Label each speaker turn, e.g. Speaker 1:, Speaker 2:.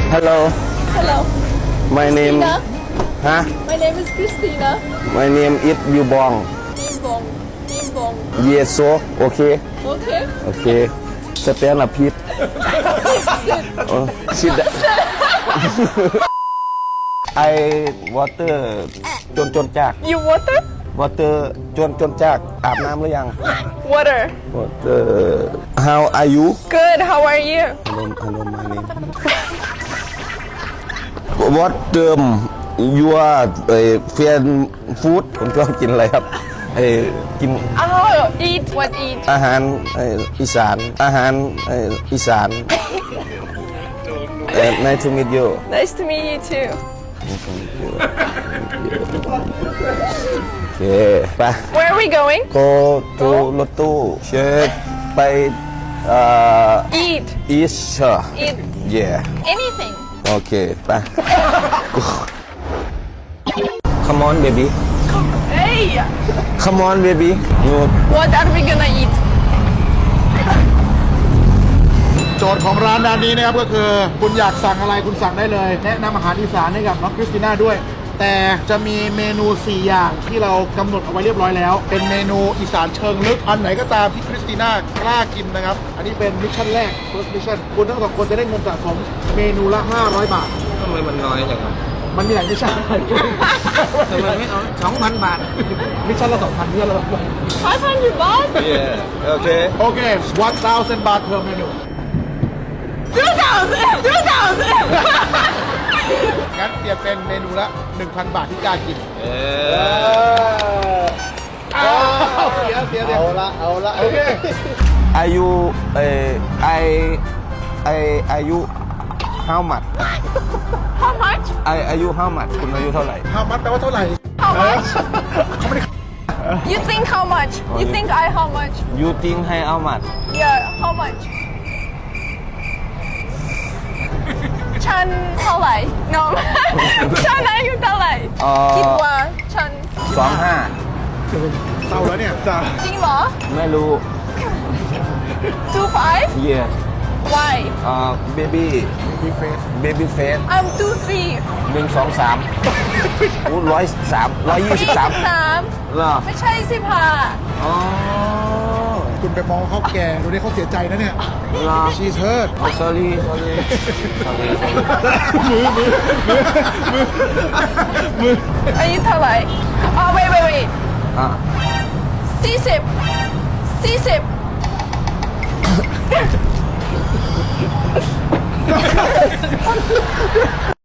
Speaker 1: Hello.
Speaker 2: Hello.
Speaker 1: My name.
Speaker 2: Christina.
Speaker 1: Huh?
Speaker 2: My name is Christina.
Speaker 1: My name is Yubong.
Speaker 2: Timbong. Timbong.
Speaker 1: Yes, so okay.
Speaker 2: Okay.
Speaker 1: Okay. Stand up, Pete. Sit down. I water จนจาก
Speaker 2: You water?
Speaker 1: water จนจากอาบน้ำหรือยัง
Speaker 2: Water.
Speaker 1: water How are you
Speaker 2: Good. How are you?
Speaker 1: Hello my name What your fan food คุณชอบกินอะไรครับกิน
Speaker 2: Oh, eat. What eat?
Speaker 1: อาหารอีสานอาหารอีสาน Nice to meet you
Speaker 2: Nice to meet you too.
Speaker 1: โอเคไป
Speaker 2: Where are we going?
Speaker 1: go to รถตู้เชิญไป
Speaker 2: Eat.
Speaker 1: East
Speaker 2: Eat
Speaker 1: yeah
Speaker 2: anything.
Speaker 1: โอเคไป Come on baby
Speaker 2: Hey.
Speaker 1: Come on baby you
Speaker 2: What are we gonna eat?
Speaker 3: โจทย์ของร้านด้านนี้นะครับก็คือคุณอยากสั่งอะไรคุณสั่งได้เลยแนะนำอาหารอีสานให้กับน้องคริสติน่าด้วย แต่จะมีเมนู 4 อย่างที่เรากำหนดเอาไว้เรียบร้อยแล้ว เป็นเมนูอีสานเชิงลึกอันไหนก็ตามที่คริสติน่ากล้ากินนะครับอันนี้เป็นมิชชั่นแรก first mission คุณทั้งสองคนจะได้เงินสะสมเมนูละ500 บาท
Speaker 1: ทำไมมันน้อยจังครับ
Speaker 3: มันมีหลายมิชชั่น
Speaker 1: ทำไมไม่เอา 2,000 บาท
Speaker 3: มิชชั่นละ2,000มิชชั่นละ
Speaker 2: 500 baht?
Speaker 1: Yeah โอเค
Speaker 3: โอเค 1,000 บาท per เมนู
Speaker 2: 2,000. 2,000.
Speaker 3: งั้นเปลี่ยนเป็นเมนูละ 1,000 บาทที่กล้ากินเสียเอาละโอเค
Speaker 1: อายุอายุ how much
Speaker 2: How much?
Speaker 1: อายุ how much คุณอายุเท่าไหร่
Speaker 3: how much แปลว่าเท่าไหร่
Speaker 2: How much? You think how much? You think I how much?
Speaker 1: you think ให้ how much
Speaker 2: Yeah, how much? ฉันเท่าไหร่ No ฉันอายุเท่าไหร่คิดว่าฉัน
Speaker 1: 25
Speaker 3: เศร้าแล้วเนี่ยจ้า
Speaker 2: จริงเหรอ
Speaker 1: ไม่รู้
Speaker 2: 25?
Speaker 1: yes
Speaker 2: Why?
Speaker 1: baby
Speaker 3: บิ๊กเฟส
Speaker 1: baby face
Speaker 2: I'm 23
Speaker 1: 123อู้123เหรอ
Speaker 2: ไม่ใช่15
Speaker 1: อ๋อ
Speaker 3: คุณไปมองเขาแก่ดูดิเขาเสียใจนะเนี่ย
Speaker 1: เหรอ
Speaker 3: ชีเชิร์ด
Speaker 1: oh sorry
Speaker 2: อายุเท่าไหร่อ๋อ wait
Speaker 1: อ่ะ
Speaker 2: 40